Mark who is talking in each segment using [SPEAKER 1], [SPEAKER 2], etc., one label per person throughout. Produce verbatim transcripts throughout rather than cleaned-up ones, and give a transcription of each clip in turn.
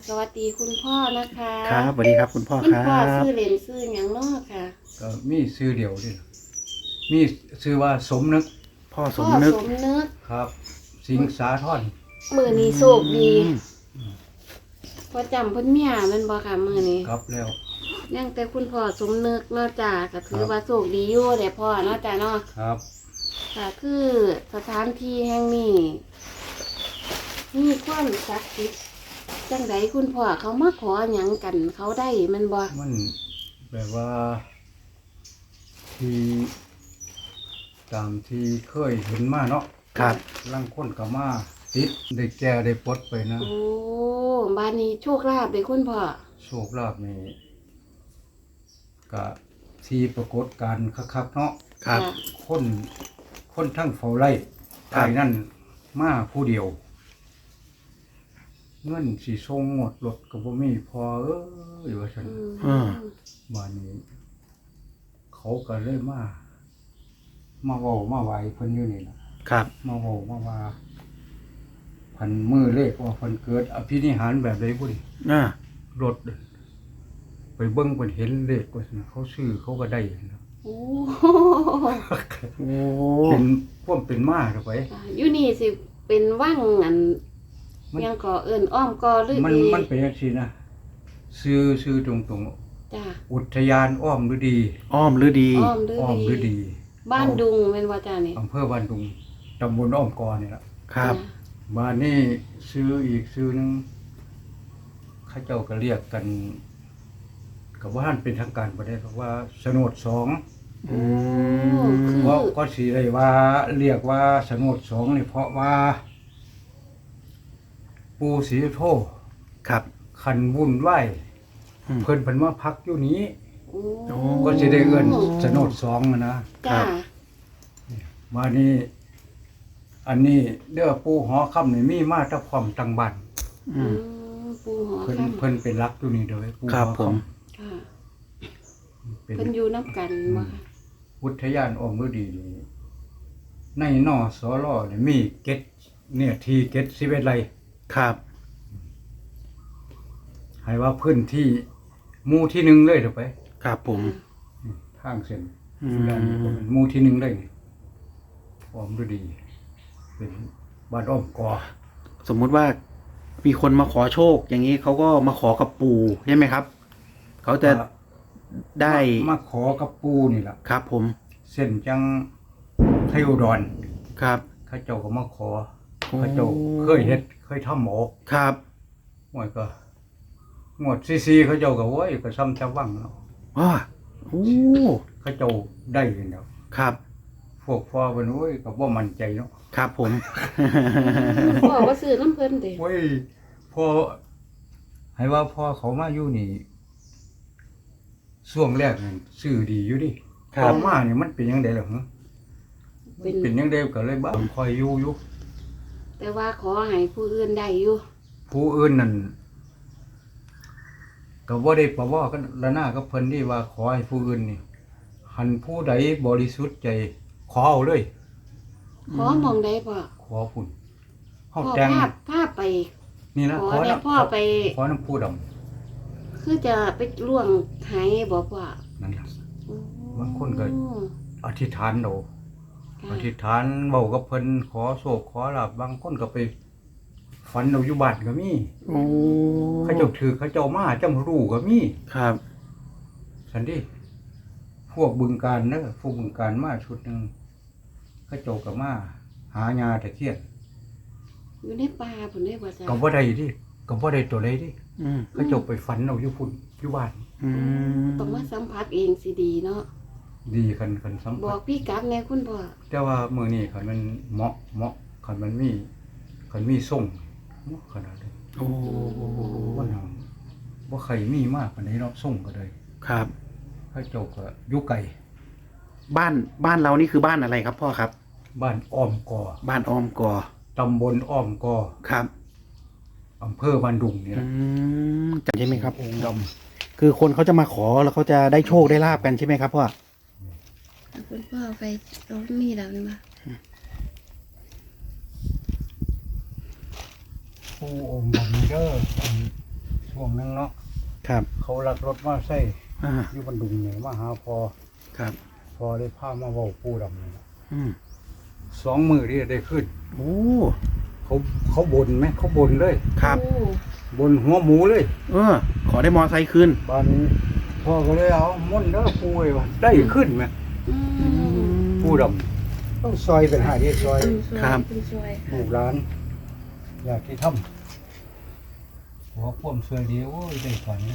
[SPEAKER 1] วัสดีคุณพ่อนะคะ
[SPEAKER 2] ครับสวัสดีครับคุณพ่อค
[SPEAKER 1] คุณ
[SPEAKER 2] รับ
[SPEAKER 1] พ่อซื้อเหรียญซื้ออย่างนอกค่ะ
[SPEAKER 3] ก็มีซื้อเดียวดิมีซื้อว่าสมนึก
[SPEAKER 2] พ่อส
[SPEAKER 1] พ่อ
[SPEAKER 2] มนึก
[SPEAKER 1] สมนึก
[SPEAKER 3] ครับ สิงสาทร
[SPEAKER 1] มือนี้โชคดี
[SPEAKER 2] อืม
[SPEAKER 1] พอจำเพิ่นเมียแมันบ่ค่ะมือนี้
[SPEAKER 3] ครับแล้ว
[SPEAKER 1] ยังแต่คุณพ่อสมนึกเนาะจ้าก็ถือ
[SPEAKER 3] ครับ
[SPEAKER 1] ว่าโชคดีอยู่เด้พ่อเนาะจ้าเนาะ
[SPEAKER 3] ครับ
[SPEAKER 1] ค่ะคือสถานที่แห่งนี้มีความศักดิ์สิทธิ์จังไดคุณพ่อเขามาขอหยังกันเขาได้แมันบ่
[SPEAKER 3] มันแบบว่าที่ตามที่เคยเห็นมาเนาะ
[SPEAKER 2] ครับ
[SPEAKER 3] ลังคนก็มาติดได้แก่ได้ปลดไปนะ
[SPEAKER 1] โอ้บ้านนี้โชคลาภเด้คุณพ่อ
[SPEAKER 3] โชคลาภนี่ก็ที่ปรากฏการณ์คักๆเนาะ
[SPEAKER 2] ครับ
[SPEAKER 1] จ้ะ
[SPEAKER 3] คนคนทั้งเฝ้าไร่
[SPEAKER 2] ครั
[SPEAKER 3] ไอ้
[SPEAKER 2] บ
[SPEAKER 3] นั่นมาผู้เดียว เงินสิส่งหมดรถก็บ่มีพอเอ้ยว่าซั่น
[SPEAKER 1] อืม
[SPEAKER 2] อ่า
[SPEAKER 3] บ้านนี้ เขาก็เลยมา มาเว้ามาไหวเพิ่นอยู่นี่ล่ะ
[SPEAKER 2] ครับ
[SPEAKER 3] มาเว้ามาว่าพันมือเลขว่าเพิ่นเกิดอภินิหารแบบใดบ่ดิ
[SPEAKER 2] อ่าร
[SPEAKER 3] ถไปเบิ่งเพิ่นเห็นเลขว่าซั่นเขาซื้อเขาก็ได้นะ
[SPEAKER 1] โอ้
[SPEAKER 2] โอ้
[SPEAKER 3] เป็นพวกเป็นมาเด้อไป
[SPEAKER 1] อยู่นี่สิเป็นว่างอัน
[SPEAKER 3] มัน
[SPEAKER 1] ยังก่อเอิ้นอ้อมกอหรือ
[SPEAKER 3] มัน
[SPEAKER 1] ดี
[SPEAKER 3] มันเป็นจังซี่นะซื้อซื้อตรงๆ
[SPEAKER 1] จ้ะ
[SPEAKER 3] อุทยานอ้อมฤดี
[SPEAKER 2] อ้อมหรือดี
[SPEAKER 1] อ้อมหรือ
[SPEAKER 3] อ้อมฤ
[SPEAKER 1] ดี
[SPEAKER 3] ดี
[SPEAKER 1] บ้านดุงเป็นว่าจ้านี่
[SPEAKER 3] อำเภอบ้านดุงตำบลอ้อมกอนี่ล่ะ
[SPEAKER 2] ครับ
[SPEAKER 1] จ้ะ
[SPEAKER 3] บ้านนี้ซื้ออีกซื้อหนึงเข้าเจ้าก็เรียกกันกับว่าท่านเป็นทางการบ่ได้เพราะว่าสนดสอง
[SPEAKER 2] อื
[SPEAKER 1] โอ้
[SPEAKER 2] ม
[SPEAKER 1] คือ
[SPEAKER 3] เพราะก็สิได้ว่าเรียกว่าสนดสองนี่เพราะว่า ปู่ศรีสุโธ
[SPEAKER 2] ครับ
[SPEAKER 3] คันวุ่นไหวาย
[SPEAKER 2] อืม
[SPEAKER 3] เพิ่นเพิ่นมาพักอยู่นี้
[SPEAKER 1] โอ้
[SPEAKER 2] โอ้
[SPEAKER 3] ก็สิได้เอิ้นสนดสองอะนะ
[SPEAKER 1] จ้า
[SPEAKER 3] มานี่อันนี้เด้อปู่หอค่ำนี่มีมาแตะพร้อมตังบ้าน
[SPEAKER 2] อื
[SPEAKER 1] อื
[SPEAKER 2] ม
[SPEAKER 1] มปูหอ
[SPEAKER 3] เพิ่น
[SPEAKER 1] ค่
[SPEAKER 3] เพิ่นเป็นรักอยู่นี่เด้อปู่
[SPEAKER 2] ครับ
[SPEAKER 3] หอ
[SPEAKER 2] ผม
[SPEAKER 1] ำค่ะ
[SPEAKER 3] เป็น
[SPEAKER 1] เพิ่นอยู่น้ำกันบ่ค่ะ
[SPEAKER 3] อุทยานอ้อมฤดีนี่ในนอสอลอนี่มีเก็ดเนี่ยที่เก็ดสิบเอ็ดไร่
[SPEAKER 2] ครับ
[SPEAKER 3] ให้ว่าพื้นที่หมู่ที่หนึ่งเลยเด้อไป
[SPEAKER 2] ครับผม
[SPEAKER 3] ทางเส้น
[SPEAKER 2] อืม
[SPEAKER 3] ด้านนี้ก็เป็นหมู่ที่หนึ่งเลยนี่อ้อมฤดี เป็นบ้านอ้อมกอ
[SPEAKER 2] สมมุติว่ามีคนมาขอโชค อย่างนี้เขาก็มาขอกับปู่ใช่ไหมครับ เขาจะได้
[SPEAKER 3] มาขอกับปู่นี่ล่ะ
[SPEAKER 2] ครับผม
[SPEAKER 3] เส้นจังไทยอุดร
[SPEAKER 2] ครับ
[SPEAKER 3] เขาเจ้าก็มาขอ
[SPEAKER 2] โอ้
[SPEAKER 3] เขาเจ้าเคยเฮ็ดเคยทำหมอก
[SPEAKER 2] ครับ
[SPEAKER 3] หมวยก็งวดซีซีเขาเจ้าก็โอ้ยก็ซ้ำชาววังเนาะ
[SPEAKER 2] อ้าโอ้
[SPEAKER 3] เขาเจ้าได้กันแล้ว
[SPEAKER 2] ครับ
[SPEAKER 3] พวกพ่อเพิ่นโอ้ยก็บ่มั่นใจเนาะ
[SPEAKER 2] ครับผม
[SPEAKER 1] พ่อว่าซื้อน้ำเพิ่นเด้
[SPEAKER 3] โอ้ยพ่อให้ว่าพ่อเขามาอยู่นี่ช่วงแรกนี่ซื้อดีอยู่ดิ
[SPEAKER 2] ครับ
[SPEAKER 3] ต่อมานี่มันเป็นจังได๋ล่ะฮะ
[SPEAKER 1] เป็น
[SPEAKER 3] เป็นจังได๋ก็เลยบ้าคอยอยู่อยู่
[SPEAKER 1] แต่ว่าขอให้ผู้อื่นได้อยู่
[SPEAKER 3] ผู้อื่นนั่นก็บ่ได้ประว่ากันละหน้ากับเพิ่นนี่ว่าขอให้ผู้อื่นนี่หันผู้ใดบริสุทธิ์ใจขอเอาเลย
[SPEAKER 1] ขอมองได้พ่อ
[SPEAKER 3] ขอพุ่นเฮา
[SPEAKER 1] พ่อ
[SPEAKER 3] แต่ง
[SPEAKER 1] ภาพภาพไป
[SPEAKER 3] นี่นะ
[SPEAKER 1] ขอ
[SPEAKER 3] ขอ
[SPEAKER 1] ได้
[SPEAKER 3] นะ
[SPEAKER 1] พ่อไป
[SPEAKER 3] ขอน้ำผู้ดำ
[SPEAKER 1] คือจะไปล่วงไหบอกว่า
[SPEAKER 3] นั่นล่ะ
[SPEAKER 1] โอ้
[SPEAKER 3] บางคนก็ อธิษฐานเอา
[SPEAKER 1] ค่ะ
[SPEAKER 3] อธิษฐานเว้ากับเพิ่นขอโชคขอลาภบางคนก็ไปฝันเอาอยู่บ้านก็มี
[SPEAKER 2] โอ้
[SPEAKER 3] เขาเจ้าถือเขาเจ้ามาจำรู้ก็มี
[SPEAKER 2] ครับ
[SPEAKER 3] สันดิพวกบึงการเด้อพวกบึงการมาชุดหนึงเขาเจ้าก็มาหายาตะเคียน
[SPEAKER 1] อยู่ในป่าผุนได้บ่จ้ะ
[SPEAKER 3] ก็บ่ได้ดิก็บ่ได้ตัวใดดิ
[SPEAKER 2] อืม
[SPEAKER 3] เขาเจ้าไปฝันเอาอยู่พุ่นอยู่บ้าน
[SPEAKER 2] อืม
[SPEAKER 1] ต้องมาสัมผัสเองสิดีเนาะ
[SPEAKER 3] ดีคันคันสัม
[SPEAKER 1] บ
[SPEAKER 3] ผั
[SPEAKER 1] อ
[SPEAKER 3] ส
[SPEAKER 1] กพี่กัดแน่คุณพ่อ
[SPEAKER 3] แต่ว่ามื้อนี้คันมันเหมาะเหมาะคันมันมีคันมีส่งเหมาะขนาดนี้
[SPEAKER 2] โอ้
[SPEAKER 3] บ่นำบ่ใครมีมากปานใดเนาะส่งก็ได้
[SPEAKER 2] ครับ
[SPEAKER 3] เขาเจ้าก็อยู่ไกล
[SPEAKER 2] บ้านบ้านเรานี่คือบ้านอะไรครับพ่อครับ
[SPEAKER 3] บ้านอ้อมกอ
[SPEAKER 2] บ้านอ้อมกอ
[SPEAKER 3] ตำบลอ้อมกอ
[SPEAKER 2] ครับ
[SPEAKER 3] อำเภอบ้านดุงนี่
[SPEAKER 2] อื
[SPEAKER 3] นะ
[SPEAKER 2] มจำใช่ไหมครับ
[SPEAKER 3] องค์ดำ
[SPEAKER 2] คือคนเขาจะมาขอแล้วเขาจะได้โชคได้ลาบกันใช่ไหมครับพ่อ
[SPEAKER 1] คุณพ่อไปรถมีแล้วนี่มา
[SPEAKER 3] ผู้องค์ดำเด้ออันช่วงนึงเนาะ
[SPEAKER 2] ครับ
[SPEAKER 3] เขาลักรถมาใส่
[SPEAKER 2] อ่า
[SPEAKER 3] อยู่บันดุงเนี่ยมาหาพอ
[SPEAKER 2] ครับ
[SPEAKER 3] พอได้พามาเว้าปูดำนี่ล่ะ
[SPEAKER 2] อืม
[SPEAKER 3] สองมือที่ได้ขึ้น
[SPEAKER 2] โอ้
[SPEAKER 3] เขาเขาบ่นไหมเขาบ่นเลย
[SPEAKER 2] ครับ
[SPEAKER 1] โอ้
[SPEAKER 3] บ่นหัวหมูเลย
[SPEAKER 2] เออ ขอได้มอไซค์คืน
[SPEAKER 3] บ้านนี้พ่อก็เลยเอาม่อนเด้อปูไอ้ว่าได้ขึ้นไหม
[SPEAKER 1] อืม
[SPEAKER 3] ปูดำต้องซอยเป็นหาที่ซอย
[SPEAKER 2] ครับ
[SPEAKER 1] เป็นซอย
[SPEAKER 3] ลูกหลาน อยากที่ทำหัวพ่วมสวยดีโอ้ยได้ฝันเลย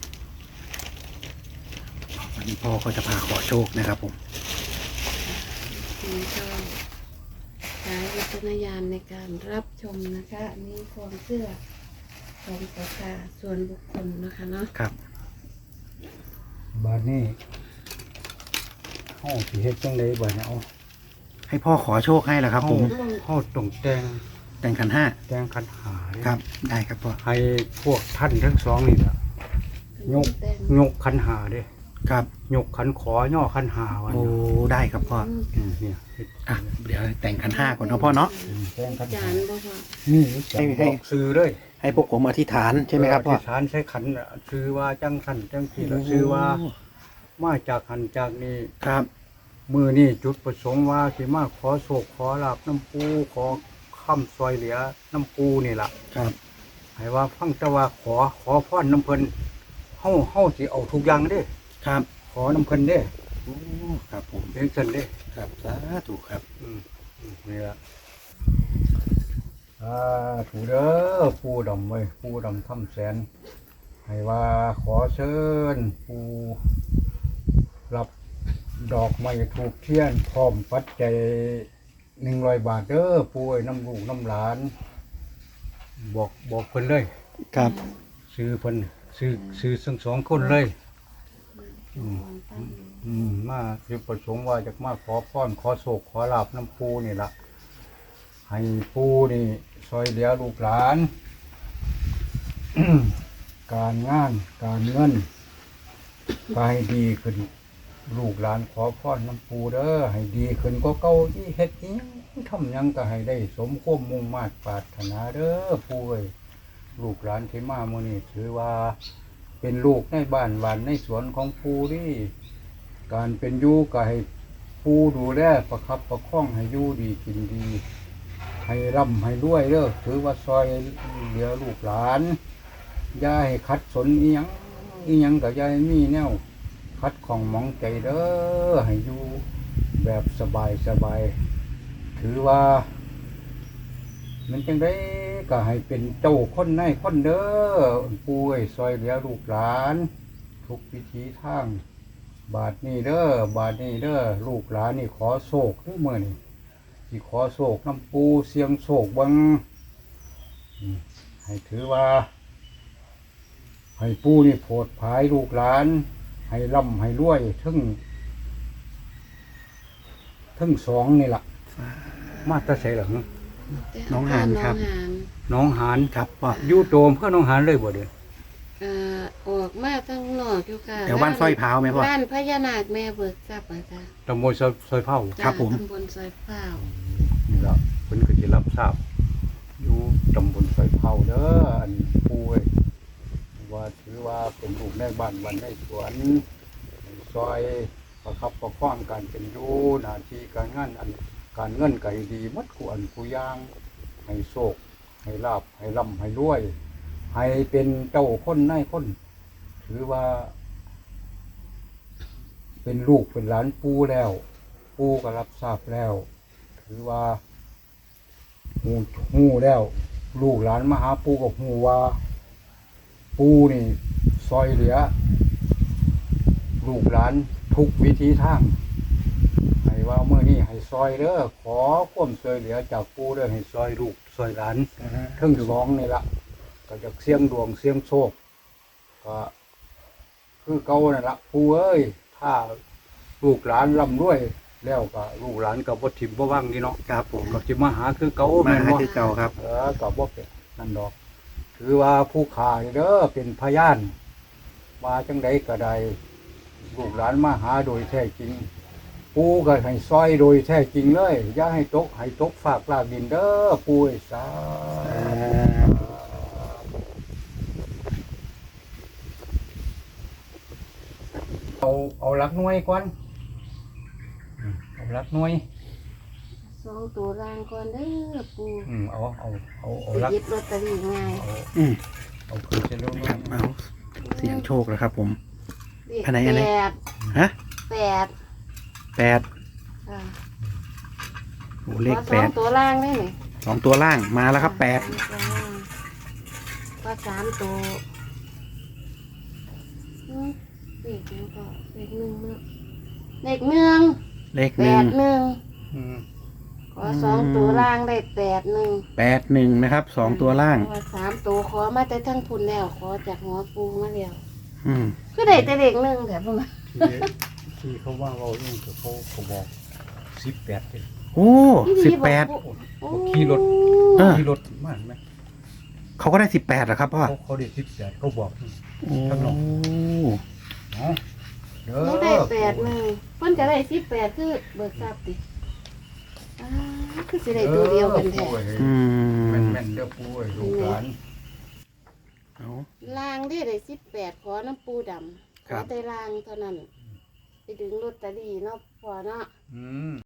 [SPEAKER 2] วันนี้พ่อก็จะพาขอโชคนะครับผม
[SPEAKER 1] นี่ก็ใช้วิจารณญาณในการรับชมนะคะอันนี้ความเชื่อของศรัทธาส่วนบุคคลนะคะเนาะ
[SPEAKER 2] ครับ
[SPEAKER 3] บ้านนี้เฮาสิเฮ็ดจังได๋บัดนี้เอา
[SPEAKER 2] ให้พ่อขอโชคให้แหละครับ ผม
[SPEAKER 3] เฮาเฮาต้องแต่ง
[SPEAKER 2] แต่งขันห้า
[SPEAKER 3] แต่งคันหาเด้
[SPEAKER 2] ครับ ได้ครับพ่อ
[SPEAKER 3] ให้พวกท่านทั้งสองนี่ล่ะยก
[SPEAKER 1] แต่ง
[SPEAKER 3] ยกคันหาเด้
[SPEAKER 2] ครับ
[SPEAKER 3] ยกขันขอย่อขันหาวัน
[SPEAKER 2] โอ้ ได้ครับพ่อ
[SPEAKER 1] อืม
[SPEAKER 3] อืมเนี่ย
[SPEAKER 2] อ่ะ เดี๋ยวแต่งขันห้าก่อนเนาะพ่อเนาะ
[SPEAKER 3] แต่งขัน
[SPEAKER 1] จา
[SPEAKER 3] หาน
[SPEAKER 1] บ่พอ
[SPEAKER 3] นี่
[SPEAKER 2] ให้ให้
[SPEAKER 3] บอกซื้อเลย
[SPEAKER 2] ให้พวกผมอธิษฐานใช่ไหมครับพ่อ
[SPEAKER 3] ที่ฐานใช้ขันน่ะซื้อว่าจังขันจังที่แล้วซื้อว่ามาจากหันจากนี้
[SPEAKER 2] ครับ
[SPEAKER 3] มือนี่จุดประสงค์ว่าสิมาขอโศกขอลาบน้ำปูขอค้ำซอยเหลือน้ำปูนี่ล่ะ
[SPEAKER 2] ครับ
[SPEAKER 3] ให้ว่าฟังแต่ว่าขอขอพรน้ำเพิ่นเฮาเฮาสิเอาทุกอย่างเด้
[SPEAKER 2] ครับ
[SPEAKER 3] ขอน้ำเพิ่นเด้
[SPEAKER 2] โอ้ ครับผม
[SPEAKER 3] เพียงซั่นเด้
[SPEAKER 2] ครับ สาธุครับ
[SPEAKER 3] อืมอืมนี่ละอ่าถูเด้อปูดำไว้ยปูดำทำแสน ให้ว่าขอเชิญปูรับดอกไม้ถูกเทียนพร้อมปัจจัยหนึ่งร้อยบาทเด้อปูไอ้น้ำลูกน้ำหลาน บอกบอกเพิ่นเลย
[SPEAKER 2] ครับ
[SPEAKER 3] ซื้อเพิ่นซื้อซื้อทั้งสองคนเลย อืม อืมมาจุดประสงค์ว่าจะมาขอพรขอโศกขอลาบน้ำปูนี่ละให้ปูนี่ซอยเหลือลูกหลาน การงานการเงินก็ให้ดีขึ้น ลูกหลานขอพรน้ำปูเด้อให้ดีขึ้นก็เก่าที่เฮ็ดนี้ทำหยังก็ให้ได้สมความมุ่งมา่ปรารถนาเด้อปูเอ้ยลูกหลานที่มามื้อนี้ถือว่า เป็นลูกในบ้านหวานในสวนของปูนี่การเป็นอยู่ก็ให้ปูดูแลประคับประคองให้อยู่ดีกินดี ให้ร่ำให้รวยเด้อถือว่าซอยเหลือลูกหลานอย่าให้ขัดสนอีหยังอีหยังก็อย่าให้มีแนวคัดของหมองใจเด้อให้อยู่แบบสบายสบายถือว่า มันจังได้ก็ให้เป็นเจ้าคนในคนเด้อป่วยซอยเหลือลูกหลาน ทุกวิธีทาง บาทนี้เด้อบาทนี้เด้อลูกหลานนี่ขอโศกด้วยมือนี่ที่ขอโศกน้ำปูเสียงโศกบังอืมให้ถือว่า ให้ปูนี่โผดผายลูกหลาน ให้ร่ำให้รวยทั้งทั้งสองนี่ล่ะ มาแตะเสหลัง
[SPEAKER 2] น้องหานครับ
[SPEAKER 1] น้องหาน
[SPEAKER 3] น้องหาน
[SPEAKER 2] ครับพ่อ
[SPEAKER 3] อยู่โดมเพื่อน้องหานเลยบ่เด้อ
[SPEAKER 1] เอ่อออกมาตั้งนอกอยู่ค่ะ
[SPEAKER 2] แถวบ้านสร้อยพร้าวไหมพ่อ
[SPEAKER 1] บ้านพญานาคแม่เบิกทรัพย์อ่ะจ้ะ
[SPEAKER 3] ตำบลซอยซอยเผา
[SPEAKER 2] ครับผม
[SPEAKER 1] ตำบลซอยเฝ้า
[SPEAKER 3] นี่ละเพิ่นก็สิรับทราบอยู่ตำบลซอยเผาเด้ออันปูเอ้ยว่าถือว่าเป็นลูกในบ้านวันในสวนซอยประคับประคองการเป็นอยู่หน้าที่การงานอันการเงินก็ให้ดีหมดกูอันกูย่าง ให้โชคให้ลาบให้ร่ำให้รวย ให้เป็นเจ้าคนนายคน ถือว่า เป็นลูกเป็นหลานปูแล้ว ปูก็รับทราบแล้ว ถือว่าหูหูแล้ว ลูกหลานมาหาปูกับหูว่า ปูนี่ซอยเหลือ ลูกหลานทุกวิธีทาง ให้ว่าเมื่อนี้ให้ซอยเด้อขอความช่วยเหลือจากปูเด้อให้ซอยลูกซอยหลานทั้งสองนี่ละก็จะเสี่ยงดวงเสี่ยงโชคก็คือเก่านั่นละปูเอ้ยถ้าลูกหลานร่ำรวยแล้วก็ลูกหลานก็บ่ถิ่มบ่ว่างนี่เนาะ
[SPEAKER 2] ครับผม
[SPEAKER 3] ก็สิมาหาคือเก่า
[SPEAKER 2] มา
[SPEAKER 3] แม่น
[SPEAKER 2] หา
[SPEAKER 3] บ่
[SPEAKER 2] คือเก่าครับ
[SPEAKER 3] เออก็บ่เป็นนั่นดอก ถือว่าผู้ขานี่เด้อเป็นพยานมาจังใดก็ได้ลูกหลานมาหาโดยแท้จริง ปูก็ให้ซอยโดยแท้จริงเลยอย่าให้ตกให้ตกฝากลากดินเด้อปูไอ้สาเอาเอาหลักหน่วยก่อนอืมเอาหลักหน่วย
[SPEAKER 1] สองตัวล่างก่อนเด้อปู
[SPEAKER 3] อืมเอาเอาเอาเอา
[SPEAKER 1] ไป
[SPEAKER 3] หลัก
[SPEAKER 1] หยิบลอตเตอรี่ง่าย
[SPEAKER 3] เอา
[SPEAKER 2] อืม
[SPEAKER 3] เอาคือจะรู้
[SPEAKER 2] ครับเอาเสียงโชคแล้วครับ ผม
[SPEAKER 1] เลข
[SPEAKER 2] อันไหนอันไหน
[SPEAKER 1] แปด
[SPEAKER 2] ฮะ
[SPEAKER 1] แปด
[SPEAKER 2] แปด
[SPEAKER 1] อ่า
[SPEAKER 2] โอ้เลข
[SPEAKER 1] ขอส
[SPEAKER 2] แป
[SPEAKER 1] อง
[SPEAKER 2] ด
[SPEAKER 1] ตัวล่างได้ไหม
[SPEAKER 2] สองตัวล่างมาแล้วครับแปด
[SPEAKER 1] ก็สามตัวอืมเลขหนึ่งก็เลขหนึ่งเนาะเลขหนึ่ง
[SPEAKER 2] เลข
[SPEAKER 1] แป
[SPEAKER 2] หนึ่ง
[SPEAKER 1] ดหนึ่ง
[SPEAKER 3] อืม
[SPEAKER 1] ขอสองตัวล่างได้แปดหนึ่ง
[SPEAKER 2] แปดหนึ่งนะครับสองตัวล่าง
[SPEAKER 1] ขอสามตัวขอมาแต่ทั้งพุ่นแล้ว ขอจากหัวปูมาแล้ว
[SPEAKER 2] อืม
[SPEAKER 1] คือได้แต่เลขหนึ่งแต่พวกนั้น
[SPEAKER 3] ที่ที่เขาว่าเราเองคือเขาเขาบอกสิบแปดเลย
[SPEAKER 2] โอ้สิบแปด
[SPEAKER 1] โอ้
[SPEAKER 3] ขี่รถ
[SPEAKER 2] เออ
[SPEAKER 3] ขี่รถมากไหม
[SPEAKER 2] เขาก็ได้สิบแปดเหรอครับพ่อ
[SPEAKER 3] เขาเขาได้สิบแปดเขาบอก
[SPEAKER 2] โอ้
[SPEAKER 3] ข้างนอก เนาะเด้อ
[SPEAKER 1] หนูได้แปดหนึ่งเพิ่นจะได้สิบแปดคือเบิกทรัพย์ดิอ้าคือสิได้ตัวเดียวกันแท้
[SPEAKER 2] อืม
[SPEAKER 3] แม่นแม่นๆเด้อปูเอ้ยลูกหลาน
[SPEAKER 2] เอา
[SPEAKER 1] ลางได้ได้สิบแปดขอน้ำปูดำข
[SPEAKER 2] ครั
[SPEAKER 1] อบ แต่ลางเท่านั้น ไปดึงลอตเตอรี่เนาะพอเนาะ
[SPEAKER 3] อืม